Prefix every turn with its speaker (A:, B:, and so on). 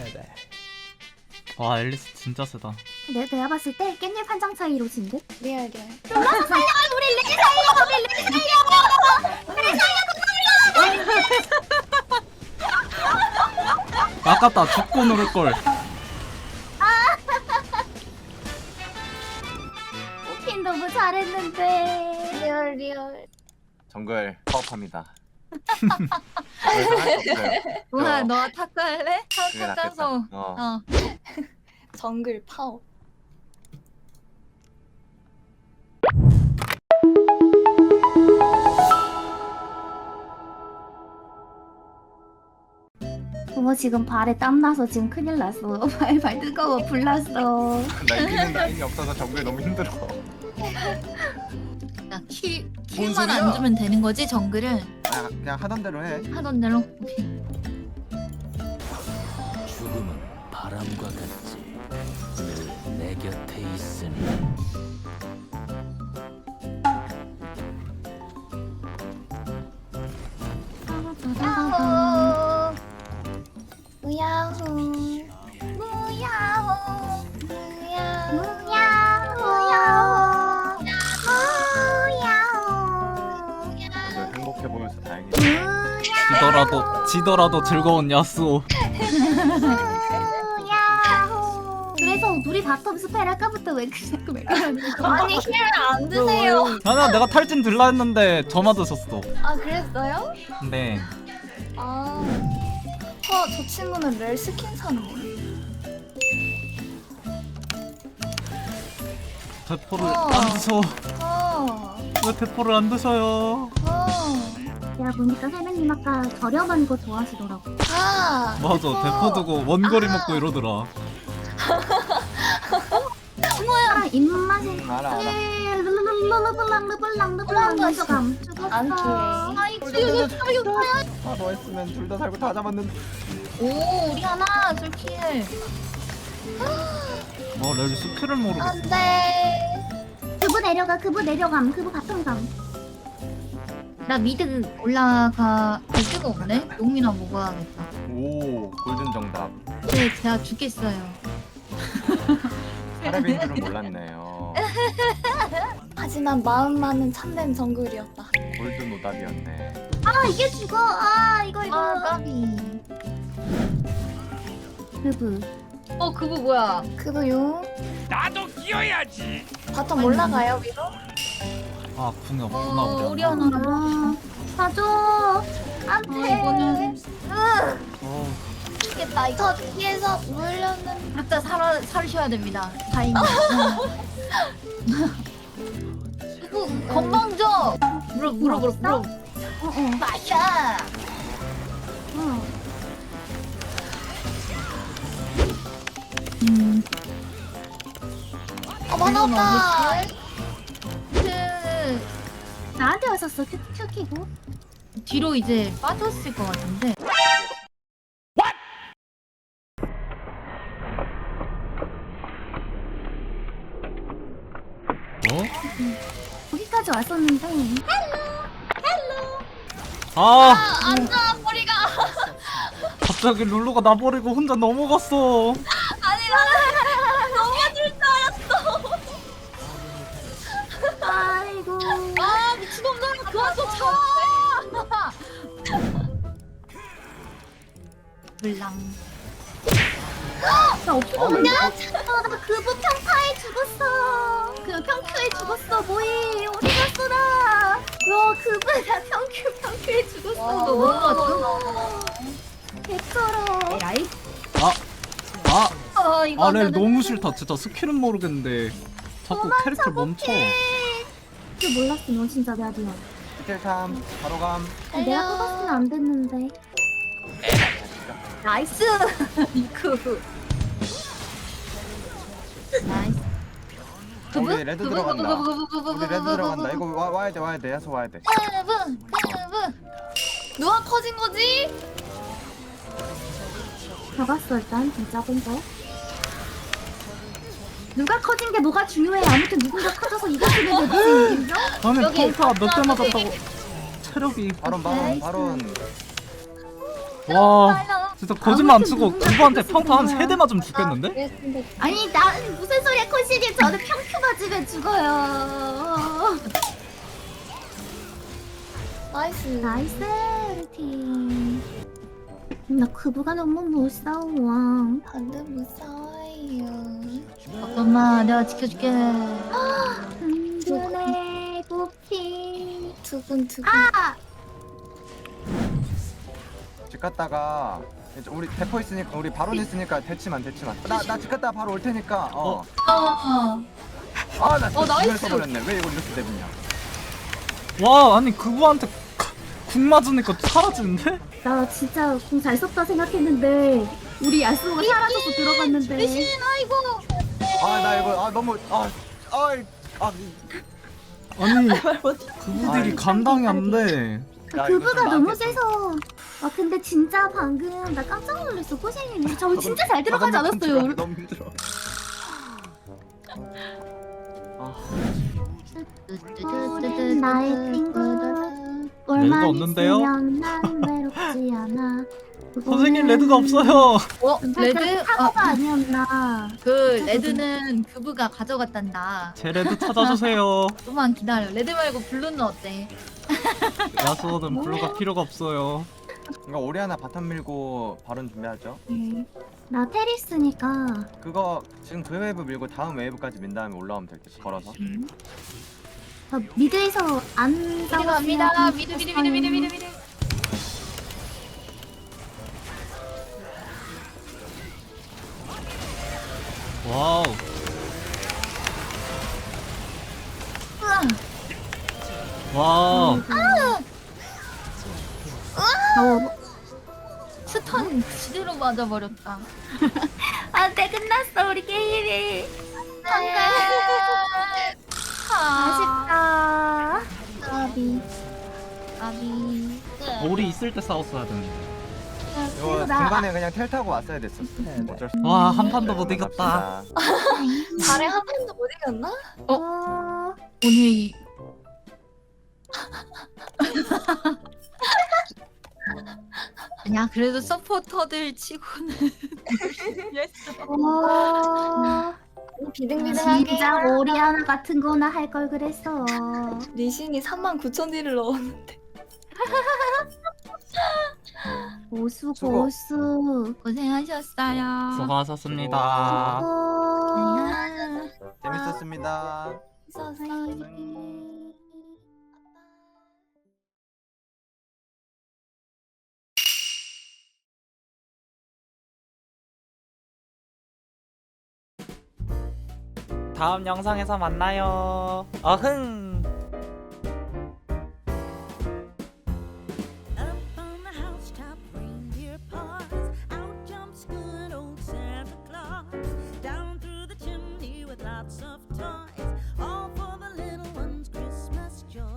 A: 돼. 와 앨리스 진짜 세다.
B: 내가 봤을 때 깻잎 한 장 차이로 진 듯?
C: 리얼.
B: 불러서 살려! 우리 레이 살려! 우리 레이 살려!
A: 아깝다. 죽고 누를걸.
B: 오킨 너무 잘했는데.
C: 리얼.
D: 정글 파업합니다. 더 이상 할수 없어요.
E: 뭐야 너 탁구 할래?
D: 그게
E: 탁구
D: 낫겠다.
E: 짜서
D: 어.
C: 정글 파워.
B: 지금 발에 땀 나서 지금 큰일 났어. 발 뜨거워 불났어.
D: 나 이기는 라인이 없어서 정글 너무 힘들어.
E: 야, 킬만
D: 소리야?
E: 안 주면 되는 거지 정글을
D: 그냥 하던 대로 해.
E: 하던 대로. 오케이.
F: 죽음은 바람과 같지 늘 내 곁에 있으니
C: 야호. 우야호.
B: 무야호.
C: 우야호.
B: 무야호. 무야호.
D: 다들 행복해 보여서 다행이다.
A: 지더라도 즐거운 야스오.
B: 무야호. 그래서 둘이 바텀 스펠 아까부터 왜 자꾸 왜 그러는 거야?
C: 아니 힐을 안 드세요.
A: 아니야 내가 탈진 들라 했는데 저 맞으셨어.
C: 아 그랬어요?
A: 네.
C: 아. 저 친구는 렐 스킨 샀네.
A: 대포를
C: 어.
A: 안 드셔.
C: 어.
A: 왜 대포를 안 드셔요?
B: 야 보니까 세명님 아까 저렴한 거 좋아하시더라고.
C: 아.
A: 맞아 대포 두고 원거리 먹고 이러더라.
B: 아 입맛이
D: 알아.
B: 르블랑 먼저 감 죽었어.
C: 안 키워.
D: 너 했으면 둘 다 살고 다 잡았는데.
E: 오 우리 하나 솔킬.
A: 렐 스킬을 모르겠어.
C: 안돼.
B: 그부 내려감 그부 바텀 감.
E: 나 미드 올라가 갈 데가 없네. 용이나 먹어야겠다.
D: 오 골든 정답.
E: 네 제가 죽겠어요.
D: 사람인 줄은 몰랐네요.
C: 하지만 마음만은 참된 정글이었다.
D: 골든 오답이었네.
B: 아 이게 죽어. 아 이거
E: 아 까비.
B: 그부.
E: 그거 뭐야?
C: 그도요.
F: 나도 끼어야지
C: 바텀 올라가요 위로?
A: 아 궁이 없구나
E: 우리
A: 하나.
E: 하나.
B: 사줘. 안돼.
E: 이거는
C: 죽겠다. 저 뒤에서 물려는.
E: 각자 살으셔야 됩니다. 다행히. 이거 건방져. 물어. 마샤.
C: 만화 없다.
B: 나한테 왔었어. 큐 키고.
E: 뒤로 이제 빠졌을 것 같은데.
B: 여기까지 왔었는데.
C: 앉아 머리가.
A: 갑자기 룰루가 나버리고 혼자 넘어갔어.
C: 아니 나는 넘어질 줄 알았어.
B: 아이고.
E: 아 미친놈들 그만 좀 쳐. 물랑.
B: 나 없어졌냐? 나 그부 평타에 죽었어. 그 평큐에 죽었어. 뭐해? 어디 갔어 나? 그부 나 평큐에 죽었어.
E: 너 넘어갔어?
B: 개쩔어.
E: 에라이.
A: 아 렐 너무 싫다. 진짜 스킬은 모르겠는데 자꾸 캐릭터 멈춰.
B: 그 몰랐어. 너 진짜 내가 미안.
D: 스킬 3 바로 감.
B: 내가 뽑았으면 안 됐는데.
E: 나이스. 이크. 나이스.
D: 우리 레드 들어간다. 우리 레드 들어간다. 이거 와야 돼. 야수 와야 돼.
C: 누가 커진 거지?
B: 잡았어 일단 진짜 본거. 누가 커진 게 뭐가 중요해. 아무튼 누군가 커져서 이겼으면 되지. 인정?
A: 아니
E: 여기
A: 평타 몇 대 맞았다고 체력이.
D: 바론.
A: 와
E: 빨라.
A: 진짜 거짓말 안
B: 아무튼
A: 치고
B: 누군가
A: 그분한테
B: 그랬을
A: 평타 한
B: 거야.
A: 3대 맞으면 죽겠는데?
C: 알겠습니다.
B: 아니 나 무슨 소리야 코시님 저는 평큐 맞으면 죽어요.
C: 나이스.
B: 나이스 팀. 나 그부가 너무 무서워.
C: 반대 무서워요.
E: 엄마 내가 지켜줄게.
B: 눈에 부피.
C: 두근두근.
D: 집 갔다가 이제 우리 대포 있으니까 우리 바론 있으니까 대치만. 나집 갔다가 바로 올 테니까. 아나 진짜
C: 나이스.
D: 중요해서 버렸네. 왜 이걸 이렇게 내보냐.
A: 와 아니 그분한테 궁 맞으니까 사라지는데?
B: 나 진짜 공 잘 썼다 생각했는데 우리 야스오가 사라져서 들어갔는데.
E: 아이고.
D: 나 이거 너무
A: 아니 그분들이 감당이 안 돼.
D: 야,
B: 그부가
D: 이거 좀
B: 너무
D: 나한테
B: 세서. 아 근데 진짜 방금 나 깜짝 놀랐어 코시님. 우리 저 진짜 잘 들어가지 않았어요.
D: 너무 힘들어.
B: 나의 친구
A: 레드가
B: 올만
A: 없는데요?
B: 있으면 난 외롭지 않아.
A: 선생님 레드가 없어요.
E: 레드?
B: 사고가 아니었나.
E: 그 레드는 그부가 가져갔단다.
A: 제 레드 찾아주세요.
E: 좀만 기다려. 레드 말고 블루는 어때?
A: 야수는 블루가 필요가 없어요.
D: 이거 오리아나 바텀 밀고 바론 준비하죠.
B: 나 테리스니까.
D: 그거 지금 그 웨이브 밀고 다음 웨이브까지 민 다음에 올라오면 될 듯. 걸어서.
B: 미드에서 안
E: 미드
B: 싸웠으면
E: 갑니다. 미드.
A: 와우. 와.
E: 스턴 지대로 맞아버렸다.
B: 안돼 끝났어 우리 게임이.
E: 아,
B: 아쉽다. 까비.
E: 아비.
A: 우리 있을 때 싸웠어야 되는데.
D: 이거 중간에 그냥 텔 타고 왔어야 됐었어. 어쩔 수 없어.
A: 와, 한 판도 못 이겼다.
C: 발에 한 판도 못 이겼나?
E: 오늘 이 야 그래도 서포터들 치고는
B: 와.
C: 비등비등하게.
B: 진짜 오리아나 같은 거나 할 걸 그랬어.
C: 리신이 39,000딜을 넣었는데.
B: 고수
D: 수고.
B: 고수.
E: 고생하셨어요.
A: 수고하셨습니다.
B: 어.
D: 재밌었습니다.
A: 다음 영상에서 만나요. 어흥.